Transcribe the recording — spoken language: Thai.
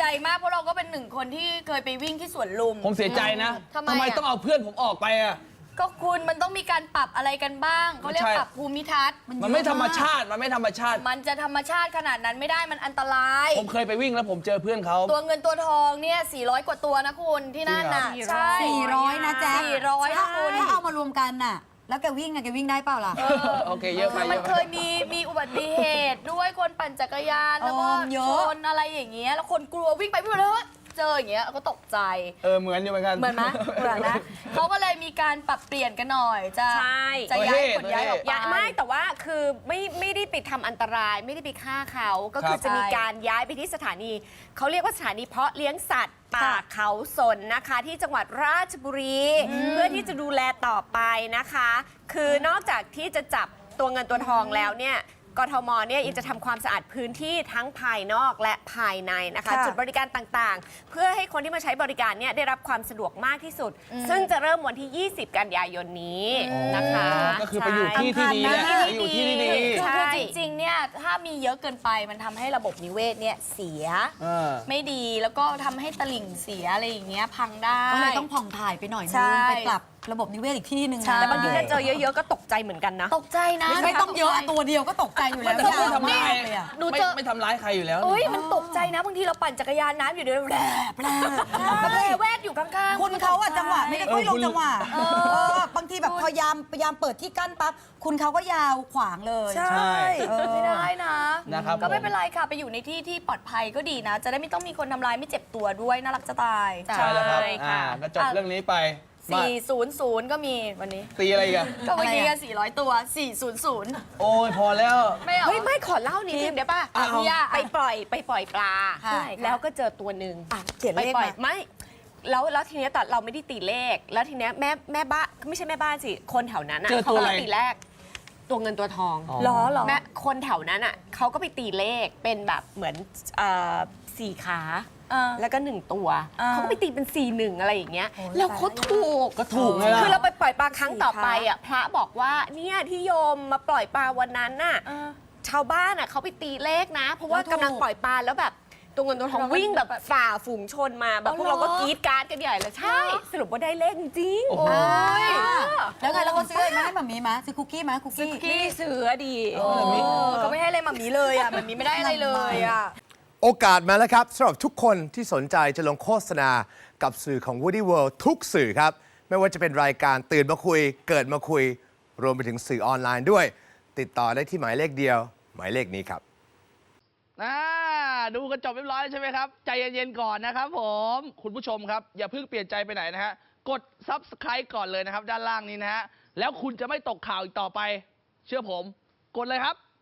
มากเพราะเราก็เป็นหนึ่งคนที่เคยไปวิ่งที่สวนลุมผมเสียใจนะทำไมต้องเอาเพื่อนผมออกไปอ่ะก็คุณมันต้องมีการปรับอะไรกันบ้างเขาเรียกปรับภูมิทัศน์มันไม่ธรรมชาติมันจะธรรมชาติขนาดนั้นไม่ได้มันอันตรายผมเคยไปวิ่งแล้วผมเจอเพื่อนเขาตัวเงินตัวทองเนี่ย400 กว่าตัวนะคุณที่นั่นน่ะใช่400นะแจ๊ค 400นะคุณถ้าเอามารวมกันน่ะแล้วแกวิ่งได้เปล่าล่ะโอเคเยอะไปมันเคยมีอุบัติเหตุด้วยคนปั่นจักรยานแล้วก็ชนอะไรอย่างเงี้ยแล้วคนกลัววิ่งไปวิ่งมาเลยเจออย่างเงี้ยก็ตกใจเหมือนอยู่เหมือนกันเหมือนไหมเหมือนนะเขาก็เลยมีการปรับเปลี่ยนกันหน่อยจะย้ายขนย้ายออกไปไม่แต่ว่าคือไม่ได้ไปทำอันตรายไม่ได้ไปฆ่าเขาก็คือจะมีการย้ายไปที่สถานีเขาเรียกว่าสถานีเพาะเลี้ยงสัตว์ป่าเขาสนนะคะที่จังหวัดราชบุรีเพื่อที่จะดูแลต่อไปนะคะคือนอกจากที่จะจับตัวเงินตัวทองแล้วเนี่ยกทมเนี่ยยังจะทำความสะอาดพื้นที่ทั้งภายนอกและภายในนะคะจุดบริการต่างๆเพื่อให้คนที่มาใช้บริการเนี่ยได้รับความสะดวกมากที่สุดซึ่งจะเริ่มวันที่ 20 กันยายนนี้นะคะก็คือไปอยู่ที่ที่ดีแหละไปอยู่ที่ที่ดีคือจริงๆเนี่ยถ้ามีเยอะเกินไปมันทำให้ระบบนิเวศเนี่ยเสียไม่ดีแล้วก็ทำให้ตลิ่งเสียอะไรอย่างเงี้ยพังได้ก็เลยต้องผ่องถ่ายไปหน่อยนึงไปปรับระบบนิเวศอีกที่หนึ่งแต่บางทีถ้าเจอเยอะๆก็ตกใจเหมือนกันนะตกใจนะไม่ต้องเยอะตัวเดียวก็ตกใจอยู่แล้วไม่ทำร้ายไม่ทำร้ายใครอยู่แล้วมันตกใจนะบางทีเราปั่นจักรยานน้ำอยู่เดี๋ยวแแวกอยู่ข้างๆคุณเขาอะจังหวะไม่ได้ค่อยลงจังหวะบางทีแบบพยายามเปิดที่กั้นปั๊บคุณเขาก็ยาวขวางเลยใช่ไม่ได้นะก็ไม่เป็นไรค่ะไปอยู่ในที่ที่ปลอดภัยก็ดีนะจะได้ไม่ต้องมีคนทำร้ายไม่เจ็บตัวด้วยน่ารักจะตายใช่แล้วครับก็จบเรื่องนี้ไป 400ก็มีวันนี้ตีอะไรกันก็เมื่อกี้400 ตัว400 โอ้ยพอแล้วไม่ขอเล่านิดนึงเดี๋ยวป่ะไปปล่อยปลาแล้วก็เจอตัวหนึ่งเขียนเลขมาไม่แล้วทีนี้ตอนเราไม่ได้ตีเลขแล้วทีนี้แม่บ้านไม่ใช่แม่บ้านสิคนแถวนั้นเขาก็ตีเลขตัวเงินตัวทองแม่คนแถวนั้นเขาก็ไปตีเลขเป็นแบบเหมือน4 ขาแล้วก็1 ตัวเขาก็ไปตีเป็น4-1อะไรอย่างเงี้ยแล้วเขาถูกเลยคือเราไปปล่อยปลาครั้งต่อไปพระบอกว่าเนี่ยที่โยมมาปล่อยปลาวันนั้นน่ะชาวบ้านเขาไปตีเลขนะเพราะว่ากำลังปล่อยปลาแล้วแบบตัวเงินตัวทองวิ่งแบบฝ่าฝูงชนมาแบบพวกเราก็กรี๊ดการ์ดกันใหญ่เลยใช่สรุปว่าได้เลขจริงแล้วไงเราก็ซื้อมาให้หม่ามีมาซื้อคุกกี้มาคุกกี้ไม่ซื้อดีก็ไม่ให้อะไรหม่ามีเลยหม่ามีไม่ได้อะไรเลยโอกาสมาแล้วครับสำหรับทุกคนที่สนใจจะลงโฆษณากับสื่อของ Woody World ทุกสื่อครับไม่ว่าจะเป็นรายการตื่นมาคุยเกิดมาคุยรวมไปถึงสื่อออนไลน์ด้วยติดต่อได้ที่หมายเลขเดียวหมายเลขนี้ครับดูกันจบเรียบร้อยใช่ไหมครับใจเย็นๆก่อนนะครับผมคุณผู้ชมครับอย่าเพิ่งเปลี่ยนใจไปไหนนะฮะกด Subscribe ก่อนเลยนะครับด้านล่างนี้นะฮะแล้วคุณจะไม่ตกข่าวอีกต่อไปเชื่อผมกดเลยครับ